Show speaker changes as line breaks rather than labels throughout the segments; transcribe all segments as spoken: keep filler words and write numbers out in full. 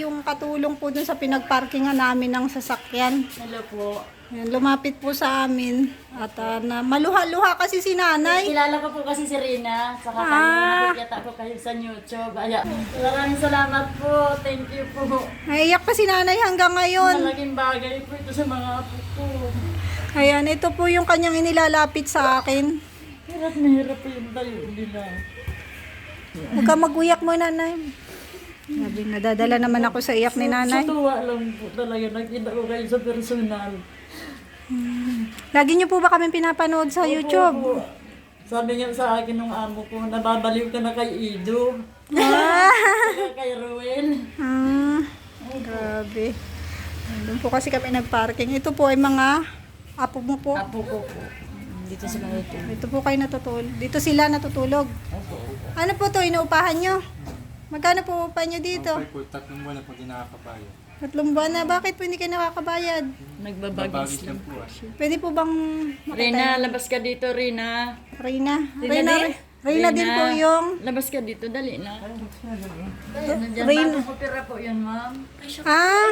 yung katulong po dun sa pinagparkingan namin ng sasakyan.
Hello po.
Yan, lumapit po sa amin. At uh, na, maluha-luha kasi si nanay.
Kilala ko po kasi si Rina. Saka
Ah.
kayo, nakikita ko kayo sa YouTube. Ay, maraming salamat po. Thank you po.
Naiyak pa si nanay hanggang ngayon.
Malaking bagay po ito sa mga apo ko.
Ayan, ito po yung kanyang inilalapit sa akin.
Hirap na hirap po yung tayo nila.
Huwag ka mag-uyak mo, nanay. Sabi, nadadala naman ako sa iyak ni nanay.
Sa tuwa lang po talaga. Nakita ko kayo sa personal.
Lagi niyo po ba kami pinapanood sa YouTube?
Opo, opo. Sabi nga sa akin nung amo ko, nababaliw ka na kay Ido.
Ah,
Saka kay Ruel.
ah, grabe. Doon po kasi kami nagparking. Ito po ay mga apo mo po.
Apo ko po. Dito sa mga ito.
Ito po kayo natutulog. Dito sila natutulog.
Opo, opo.
Ano po to, inuupahan nyo? Magkano po upahan nyo dito?
Okay po, tatlong buwan na po di nakakabayo.
Tatlong buwan na. Bakit po hindi kayo nakakabayad?
Nagbabagis
Babagis
lang.
lang po ah.
Pwede po bang
Rina, labas ka dito, Rina.
Reyna?
Rina
Reyna,
din?
Reyna din po yung...
Labas ka dito, dali na. Nandiyan,
Rina.
bagong opera po yan, ma'am.
Ah,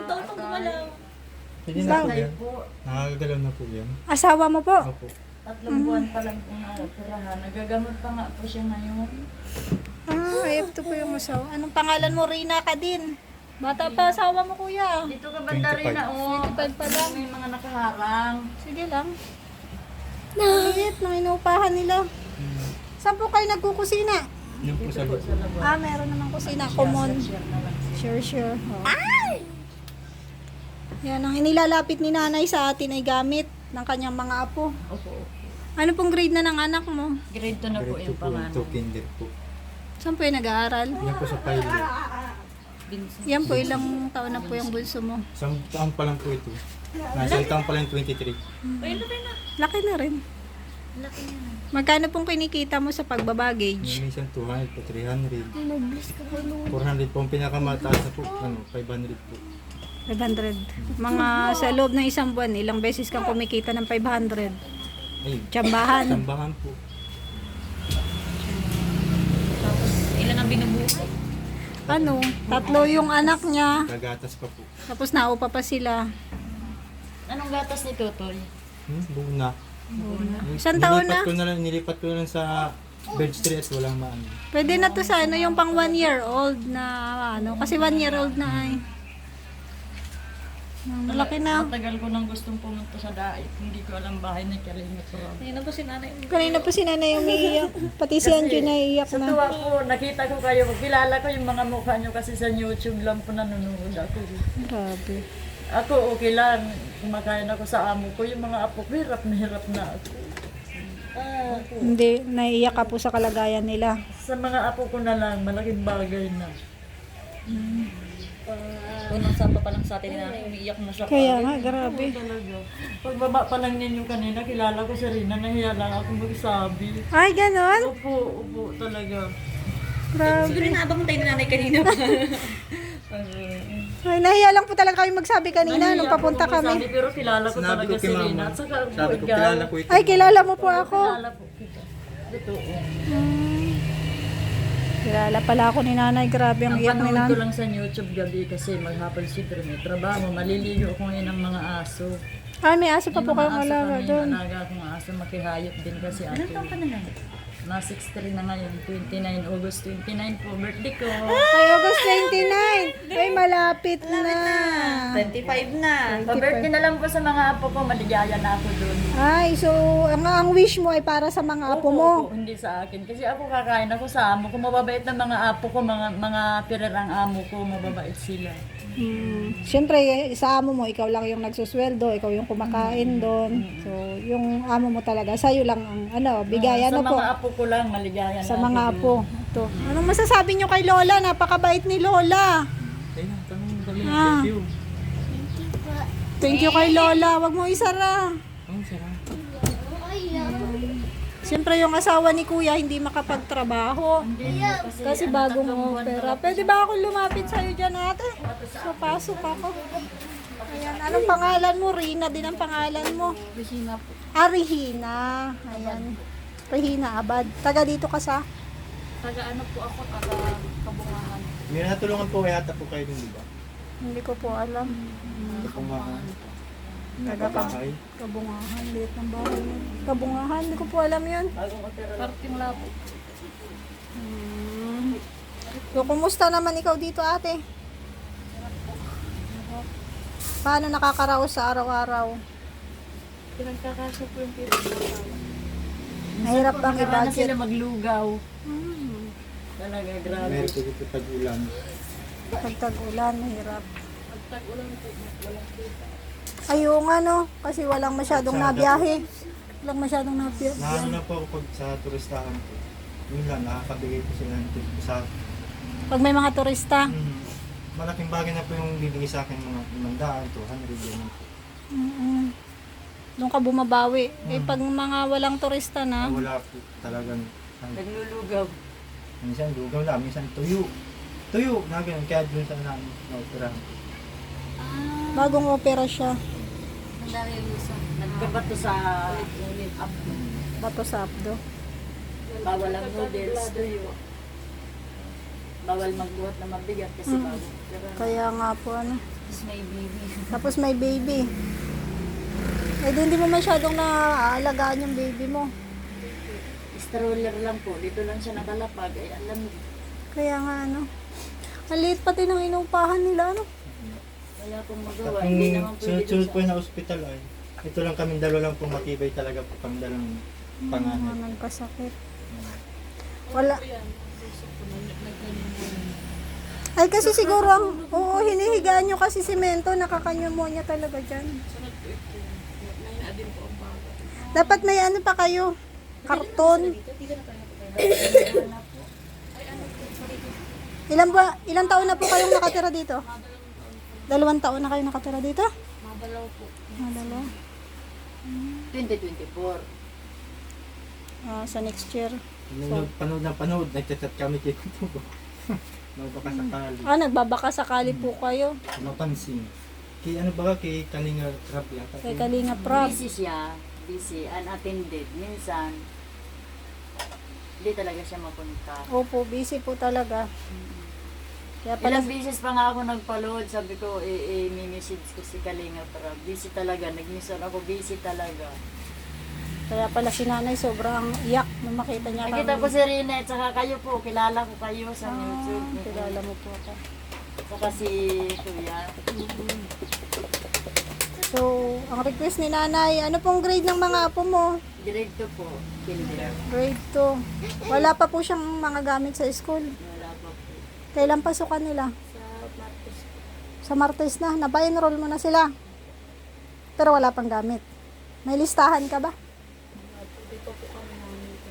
Pwede na po
Sakay
yan.
po.
Nakakagalaw na po yan.
asawa mo po.
Opo.
Tatlong buwan pa lang po na operahan. Nagagamot pa nga po siya ngayon.
Ah, ito po yung asawa. Anong pangalan mo? Reyna ka din. Bata pa asawa mo, kuya.
Dito ka banda, Rina, oh.
twenty-five pa lang.
May mga nakaharang.
Sige lang. Maliit nang inuupahan nila. Saan po kayo nagkukusina?
Yun po sa loob.
Ah, meron namang kusina. Common.
Share na lang.
Sure, sure. Oh. Yan, ang inilalapit ni nanay sa atin ay gamit ng kanyang mga apo.
Opo.
Ano pong grade na ng anak mo?
Grade two na po
Diretso
yung
po yung
pangalan.
two kinder po.
Saan po yung nag-aaral?
Yan po sa pilot.
Vincent.
Yan po, ilang taon na po yung bunso mo?
Isang taon pa lang po ito. Nasa taon pa lang twenty-three.
Laki na rin. Magkano pong kinikita mo sa pagbabagage?
May isang two hundred po, three hundred. four hundred po. Ang pinakamataas na po, ano, five hundred po.
five hundred. Mga sa loob ng isang buwan, ilang beses kang kumikita ng five hundred?
Ay,
Tsambahan.
tambahan po.
Tapos, ilan ang binubuhay?
Ano? Tatlo yung anak niya.
Kagatas pa po.
Tapos naupa pa sila.
Anong gatas ni Totoy?
Hmm, buo na.
Isang taon na?
Nilipat ko na lang, nilipat ko na lang sa Bird Street at walang maano.
Pwede na to sa ano, yung pang one year old na ano. Kasi one year old na ay. Malaki na.
Matagal ko nang gustong pumunta sa dait. Hindi ko alam bahay na Kalinga Pro.
Kanina po si nanay umiiyak. Pati si Anjo naiiyak
Sa
na.
tuwa ko, nakita ko kayo. Kilala ko yung mga mukha nyo kasi sa YouTube lang po nanonood ako.
Grabe.
Ako okay lang. Kumakain ako sa amo ko. Yung mga apo ko, hirap na hirap na ako. Ah,
Hindi, naiiyak ka po sa kalagayan nila.
sa mga apo ko na lang, malaking bagay na.
Unang sapa pa lang sa atin na umiiyak na siya.
Kaya nga, grabe.
Talaga. Pagbaba pa lang ninyo kanina, kilala ko si Rina, nahiya lang ako magsabi.
Ay, ganon?
Upo, upo talaga.
Grabe.
Siguro inaabang tayo ni nanay kanina pa.
Ay, nahiya lang po talaga kami magsabi kanina
Nahiya
nung
ako
papunta
magsabi,
kami.
pero kilala ko
Sinabi
talaga
ko
si
kay
Rina.
mama.
At saka,
Sabi ko,
ikaw,
kilala ko ito.
Ay, kilala mo po ako.
kilala po kita. Totoo.
Kilala pala ako ni nanay. Grabe ang
Ang
iyak ni
panood ko
nanay.
lang sa YouTube gabi kasi maghapon siyempre may trabaho. Maliligo ako ngayon ng mga aso.
Ay, may aso pa po
Yung mga
kayong
aso
alaga
kami,
doon.
alaga akong aso, makihayop din kasi ako.
Anong taon ka na lang?
Na sixty-three na ngayon, twenty-nine, August twenty-nine po, birthday ko.
Ay, August twenty-nine. Ay, malapit na.
twenty-five na.
Pa-birthday na lang po sa mga apo ko, maligaya na ako doon.
Ay, so, ang, ang wish mo ay para sa mga apo mo.
Opo, hindi sa akin. Kasi ako kakain ako sa amo ko, mababait na mga apo ko, mga mga pirerang amo ko, mababait sila.
Hmm. Siyempre, sa amo mo, ikaw lang yung nagsusweldo, ikaw yung kumakain doon. So, yung amo mo talaga, sa'yo lang ang ano, bigayan
sa
na po.
mga apo ko lang, maligaya
Sa
na
mga
ako
apo. Ito. Anong masasabi nyo kay Lola? Napakabait ni Lola.
Ayun, tanong kami.
Ah.
Thank you.
Thank you kay Lola. Wag mo isara.
Ang sarap.
Siyempre yung asawa ni Kuya hindi makapagtrabaho. Kasi bago mo pera. Pwede ba ako lumapit sa'yo dyan ate? So, pasok ako. Ayan. Anong pangalan mo? Rina din ang pangalan mo.
Regina po.
Ah, Regina. Ayan. Regina Abad. Taga dito ka sa?
Taga ano po ako, taga Kabungahan.
May natulungan po kaya po kayo din, di ba?
Hindi ko po alam.
Hindi po mga
Taga Kab-
bahay.
Kabungahan, liit ng bahay yun. Kabungahan, hindi ko po alam yun.
Bagong opera lang.
Parting lapo.
Hmm. So, kumusta naman ikaw dito, ate? Paano nakakaraos sa araw-araw?
Pinagkakasya po yung pinag-asawa.
Mahirap bang
Nakaranas
i-budget?
sila maglugaw.
Hmm.
Talaga, grabe.
Meron po dito pag-ulan.
Pag tag-ulan, mahirap.
Pag tag-ulan po, walang kita.
Ayun nga no, kasi walang masyadong
Masyado.
nabiyahe. Walang masyadong nabiyahe.
Naano na po ako pag sa turistahan po. Yun lang, nakakabigay po sila ng tip sa
Pag may mga turista.
Hmm. Malaking bagay na po yung bibigay sa akin mga limandaan, two hundred, ganyan po.
Mm-mm. Doon ka bumabawi. Eh
Mm.
pag mga walang turista na,
Ah, wala po talagang, ano,
Naglulugaw.
minsan lugaw na, minsan tuyo. Tuyo, na ganun, kaya dun sa namin, naoperahan.
bagong opera siya.
Nagkabato sa up.
Bato sa abdo.
Bawal ang noodles, tuyo. Bawal magbuhat na mabigat kasi
Mm.
bago. Pero
Kaya nga po ano.
tapos may baby.
Tapos may baby. Eh di hindi mo masyadong naaalagaan yung baby mo.
Stroller lang po. Dito lang siya nakalapag. Ay, alam mo.
Kaya nga ano. Ang liit pati ng inupahan nila ano.
Wala pong
At
magawa. Hindi naman
yung
pwede
sunod-sunod
dun
po na ospital ay, ito lang kami dalawa lang po matibay talaga po kami dalang panganay.
Mga nagkasakit. Wala. Ay kasi siguro ang, oo, hinihigaan nyo kasi simento, nakakanyumonya talaga dyan. Dapat may ano pa kayo, karton. Ilan ba, ilang taon na po kayong nakatira dito? Dalawang taon na kayo nakatira dito?
Madalaw po.
Madalo.
twenty twenty-four.
Ah, sa next year.
Nanood, panood na panood, nagchat-chat kami kay Tubo. Baka sakali.
Ah, nagbabaka sakali po kayo.
Mapansin. Kay ano ba, kay Kalinga Trap yata.
Kay Kalinga Prab.
Busy siya. Busy. Unattended. Minsan, hindi talaga siya mapunta.
Opo, busy po talaga. Kaya pala,
Ilang beses pa nga ako nagpa-load. Sabi ko, eh, eh, message ko si Kalinga para busy talaga. Nag-mission ako, busy talaga.
kaya pala si nanay sobrang iyak nung makita niya
Nakita
kami.
ko si Rina at saka kayo po. Kilala ko kayo sa
Ah,
YouTube.
kilala mo po ako.
Saka si Kuya.
So, ang request ni nanay, ano pong grade ng mga apo mo?
Grade two po. Kinder.
Grade two. Wala pa po siyang mga gamit sa school.
Wala pa po.
Kailan pasukan nila?
Sa Martes po.
Sa Martes na. Napa-enroll mo na sila. Pero wala pang gamit. May listahan ka ba?
Hindi pa po kami namin.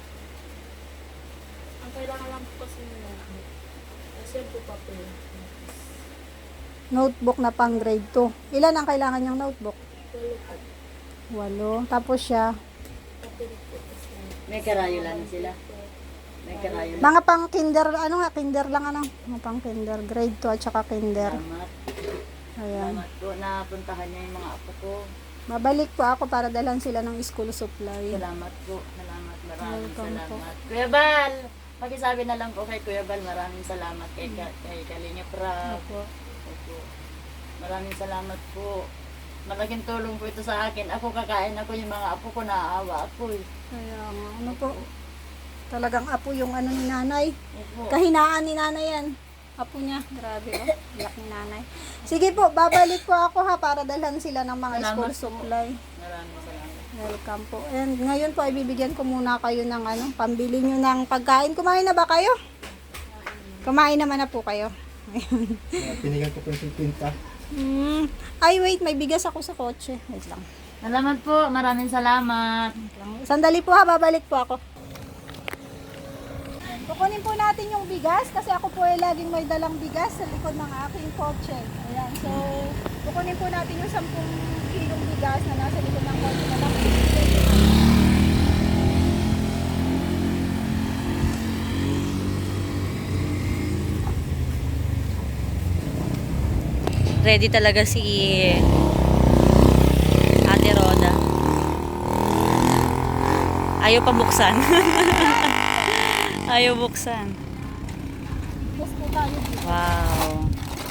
Ang kailangan lang po kasi nila. Kasi po papel.
Notebook na pang grade two. Ilan ang kailangan niyang notebook?
Walo po.
Walo. Tapos siya,
Papel po kasi. May karayo lang sila. May karayo lang.
mga pang kinder, ano nga, kinder lang ano? Mga pang kinder, grade two at saka kinder.
Salamat.
Ayan.
Salamat po. Napuntahan niya yung mga apo ko.
Babalik po ako para dalhan sila ng school supply.
Salamat po. Salamat. Maraming
Welcome po.
salamat. Kuya Bal! Pakisabi na lang po kay Kuya Bal. Maraming salamat kay, kay Kalinga Prab.
Opo.
Opo. Maraming salamat po. Malaking tulong po ito sa akin. Ako kakain ako yung mga apo ko, naaawa ako eh.
Kaya nga, ano po, talagang apo yung ano ni nanay.
Opo.
Kahinaan ni nanay yan. Apo niya. Grabe oh. Iyak ni nanay. Sige po, babalik po ako ha para dalhan sila ng mga
Salamat
school
po.
supply.
Maraming salamat.
Welcome po. And ngayon po ay bibigyan ko muna kayo ng ano, pambili nyo ng pagkain. Kumain na ba kayo? Kumain naman na po kayo.
Kaya Pinigan ko po yung fifty.
Hmm. Ay wait, may bigas ako sa kotse. Wait lang.
Salamat po. Maraming salamat.
Wait lang. Sandali po ha, babalik po ako. Kukunin po natin yung bigas kasi ako po ay laging may dalang bigas sa likod ng aking kotse. Ayan, so kukunin po natin yung sampung kilong bigas na nasa likod ng kotse na lang.
Ready talaga si Ate Roda. Ayaw pa buksan. Ayaw buksan.
Bigas po tayo.
Wow.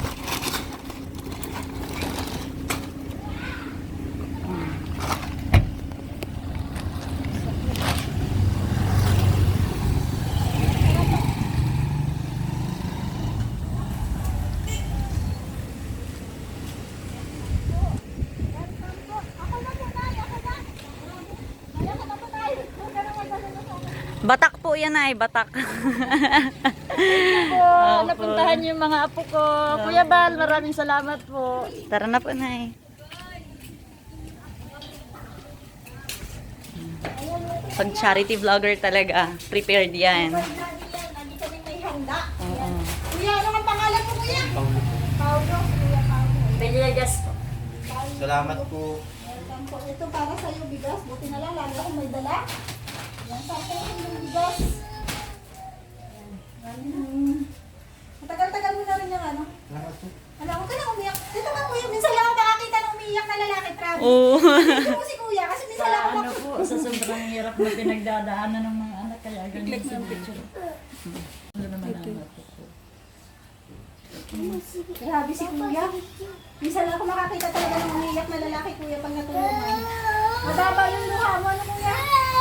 Batak po yan ay, batak.
Po, napuntahan niyo yung mga apo ko. Kuya Bal, maraming salamat po.
Tara na po, Nay. Pag charity vlogger talaga, prepared yan.
Lagi kami may handa.
Oo.
Kuya, ano ang pangalan mo, kuya?
Paulo po.
Paulo. Kuya Paulo.
Villegas po.
Salamat po.
Welcome po. Ito para sa'yo, bigas. Buti na lang, lalo akong may dala. Yan, sakto yung bigas. Yan. Yan. Matagal-tagal mo na rin yung ano.
Salamat po.
Alam mo ka na umiyak. Dito ka, kuya. Minsan lang ako nakakita ng umiyak na lalaki, Travis.
Oo.
Dito mo si kuya, kasi minsan lang
Sa
ako
ano po, sa sobrang hirap na pinagdadaanan ng mga anak, kaya ganyan sa picture. Ano naman ang anak ko po.
Grabe si kuya. Minsan lang ako makakita talaga ng umiyak na lalaki, kuya, pag natulungan. Mataba yung mukha mo, ano kuya?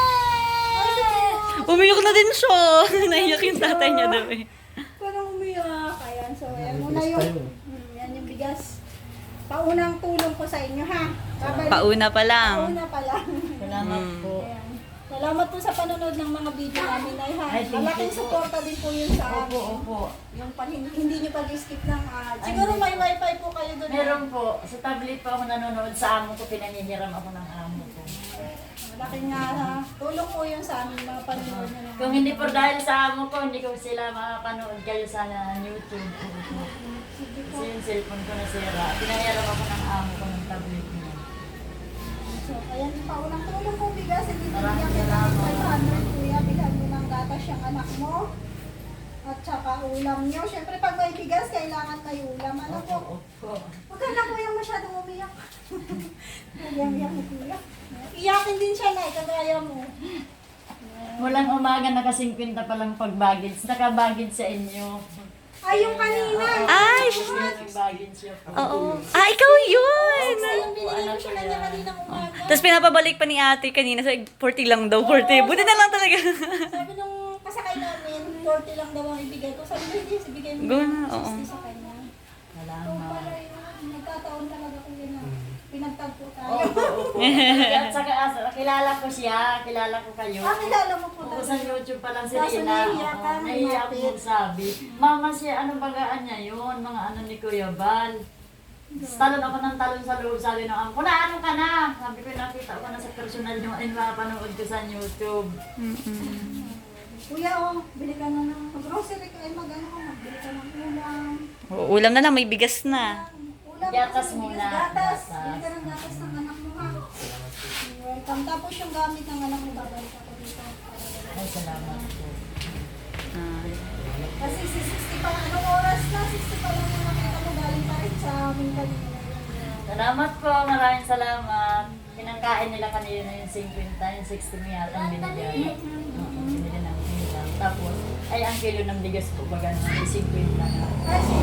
Umiyak na din siya. Naiyak yung tatay niya daw eh.
Parang umiyak. Ayan, so ayan muna
Bigas
yung,
tayo.
hmm, yan yung bigas. Paunang tulong ko sa inyo, ha? Babalik.
Pauna pa lang.
Pauna pa lang.
Salamat po.
Ayan. Salamat po sa panonood ng mga video namin, ay ha.
Ay, thank you
Malaking
po.
suporta din po yun sa
Opo,
amin.
opo.
Yung pan, hindi nyo pag-skip ng ad. Siguro may wifi po kayo doon.
Meron po. Sa tablet po ako nanonood sa amo ko, pinangihiram ako ng amo ko.
Malaking nga ha. Tulong po yun sa amin, mga panonood nyo ng
Kung hindi po dahil sa amo ko, hindi ko sila makapanood kayo sa YouTube. Kasi yung cellphone ko nasira. Pinahiram ako ng amo ko ng tablet niya.
So, ayan, paunang tulong po bigas. Hindi
Maraming
bigyan kita ng
salamat.
five hundred, kuya. Bilhan mo ng gatas yung anak mo. At saka ulam nyo. Siyempre, pag may bigas, kailangan may ulam. Ano po?
Opo.
Huwag ka na kuya masyadong umiyak. Umiyak ni kuya. Iyakin din siya na, kagaya mo.
Mulang umaga, naka-fifty pa lang pag-baggage. Naka-baggage sa inyo.
Ay, yung kanina.
Ay!
Nag-baggage siya po.
Oo. Ah, ikaw yun!
Ay, yung binigay ko siya na niya kaninang umaga.
Tapos pinapabalik pa ni ate kanina sa forty lang daw, forty. Buti na lang talaga.
Sabi nung kasakay namin, forty lang daw ang ibigay ko. Sabi ko, hindi, ibigay mo
Go
ng
na, oo.
sixty sa kanya. Ito
Salamat.
pala yun. Nagkataon talaga ko yun na pinagtagpo tayo.
Opo, opo. At saka, ah, kilala ko siya, kilala ko kayo.
Ah, kilala mo po
Oo,
talaga.
sa YouTube pa lang si
Kaso
Rina.
nahiya ka,
Oo, nahiya ako
lumapit.
magsabi. Mama siya, anong bagaan niya yun? Mga ano ni Kuya Bal. Talon ako ng talon sa loob, sabi ng ako, na ano ka na? Sabi ko, nakita ko na sa personal yung ay mapanood ko sa YouTube.
Kuya, oh, bili ka na ng grocery ka. Ay, mag-ano ka, magbili ka ng ulam.
Oo, ulam na lang, may bigas na.
Ulam
Gatas
kasi
muna.
bigas, Gatas.
Gatas.
Bili ka ng gatas ng anak mo, ha? Welcome. Tapos yung gamit ng anak mo, babalik ako dito.
Ay, salamat po.
Ah.
Kasi si sixty pa, anong oras na? sixty pa lang yung nakita mo, galing pa rin sa amin kanina.
Salamat po, maraming salamat. Pinangkain nila kanina yung fifty, yung sixty mo yata ang binigay. Oo, binili ng ulam. Tapos, ay ang kilo ng bigas po baga naman, fifty na.
Kasi,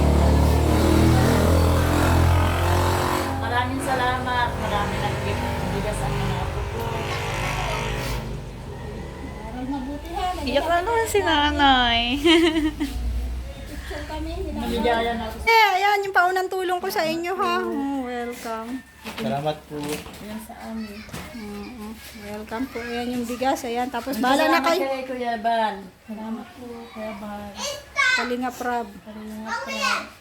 Maraming salamat. Maraming nag-gift ng bigas ang mga apo ko.
meron mabuti ha.
Iyak na naman si nanay.
Picture kami.
Naligayan ako.
Eh, ayan yung paunang tulong ko sa inyo ha. Oh, welcome.
Salamat po.
Yan sa amin.
Oo, welcome po. Ayan yung bigas. Ayan. Tapos bahala na kayo.
Salamat kay Kuya Bal. Salamat po, Kuya Bal.
Kalinga Prab.
Salamat po.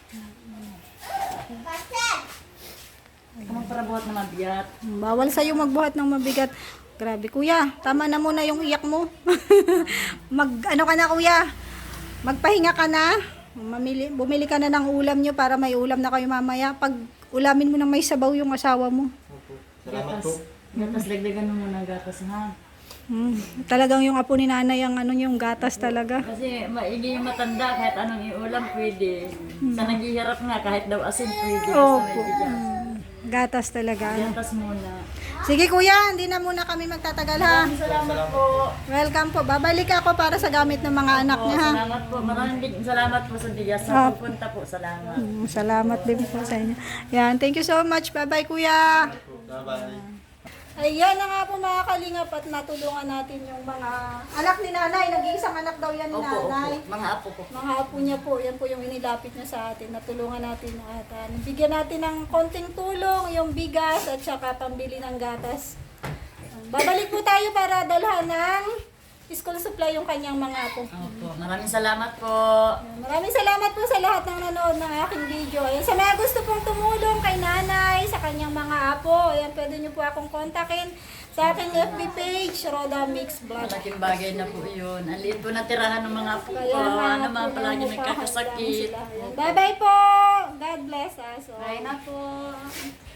Anong parabuhat na mabigat?
Bawal sa'yo magbuhat ng mabigat. Grabe kuya, tama na muna yung iyak mo. Mag, ano ka na kuya? Magpahinga ka na. Mamili, bumili ka na ng ulam nyo para may ulam na kayo mamaya. Pag ulamin mo na may sabaw yung asawa mo.
Opo. Salamat po.
Gatas, dagdagan mo muna ng gatas ha.
Hmm, talagang yung apo ni nanay ang ano yung gatas talaga.
Kasi maigi yung matanda, kahit anong iulam pwede. Sa naghihirap nga, kahit daw asin pwede. Basta
Opo.
may bigas.
Hmm. Gatas talaga. Ano?
Gatas muna.
Sige kuya, hindi na muna kami magtatagal ha.
Maraming salamat po.
Welcome po. Babalik ako para sa gamit ng mga anak
Po,
niya ha.
salamat po. Maraming big- salamat po sa bigas
Ah.
na pupunta po. Salamat.
Mm, Salamat din po sa inyo. Yan, thank you so much. Bye-bye kuya.
Bye-bye.
Ayan na nga po mga kalingap at natulungan natin yung mga anak ni nanay. Nag-iisang anak daw yan ni
Opo, opo.
nanay.
Mga apo ko.
Mga apo niya po, yan po yung inilapit niya sa atin. Natulungan natin at uh, nabigyan natin ng konting tulong, yung bigas at saka pambili ng gatas. Babalik po tayo para dalhan ng school supply yung kanyang mga apo.
Opo. Maraming salamat po.
Maraming salamat po sa lahat ng nanood ng aking video. Ayan, sa mga gusto pong tumulong kay nanay, sa kanyang mga apo, ayan, pwede nyo po akong kontakin sa aking F B page, Roda Mix Vlog.
Malaking bagay na po yun. Ang liit po na tirahan ng mga apo ko.
Kaya nga
Ano
po,
naman palagi
namupahan lang
nagkakasakit.
sila. Ayan. Bye-bye po! God bless us.
Bye na po.